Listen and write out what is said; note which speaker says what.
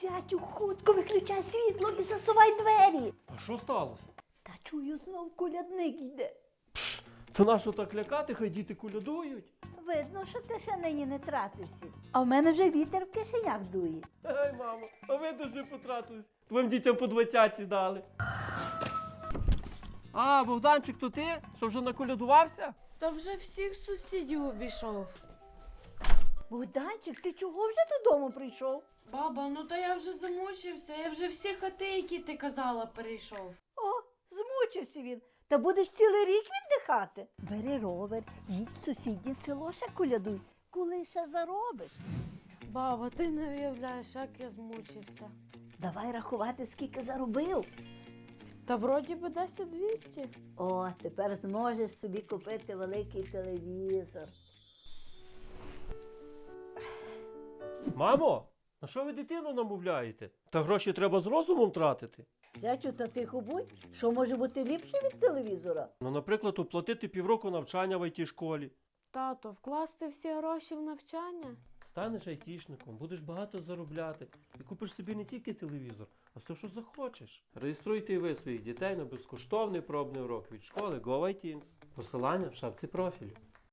Speaker 1: Зятю, хутко виключай світло і засувай двері.
Speaker 2: А що сталося?
Speaker 1: Та чую, знов колядник йде.
Speaker 2: То нащо так лякати, хай діти колядують?
Speaker 1: Видно, що ти ще нині не тратився. А в мене вже вітер в кишенях дує.
Speaker 2: Ей, мамо, а ви дуже потратились. Твоїм дітям по 20 дали. А, Богданчик, то ти? Що вже наколядувався?
Speaker 3: Та вже всіх сусідів обійшов.
Speaker 1: Богданчик, ти чого вже додому прийшов?
Speaker 3: Баба, ну та я вже замучився, я вже всі хати, які ти казала, перейшов.
Speaker 1: О, змучився він. Та будеш цілий рік віддихати. Бери ровер, їдь в сусіднє село ще колядуй, коли ще заробиш.
Speaker 3: Баба, ти не уявляєш, як я змучився.
Speaker 1: Давай рахувати, скільки заробив.
Speaker 3: Та вроді би 10-200.
Speaker 1: О, тепер зможеш собі купити великий телевізор.
Speaker 2: Мамо, на що ви дитину намовляєте? Та гроші треба з розумом тратити.
Speaker 1: Зятю, та тихо будь, що може бути ліпше від телевізора?
Speaker 2: Ну, наприклад, оплатити півроку навчання в IT-школі.
Speaker 3: Тато, вкласти всі гроші в навчання?
Speaker 2: Станеш айтішником, будеш багато заробляти і купиш собі не тільки телевізор, а все, що захочеш. Реєструйте і ви своїх дітей на безкоштовний пробний урок від школи GoITeens. Посилання в шапці профілю.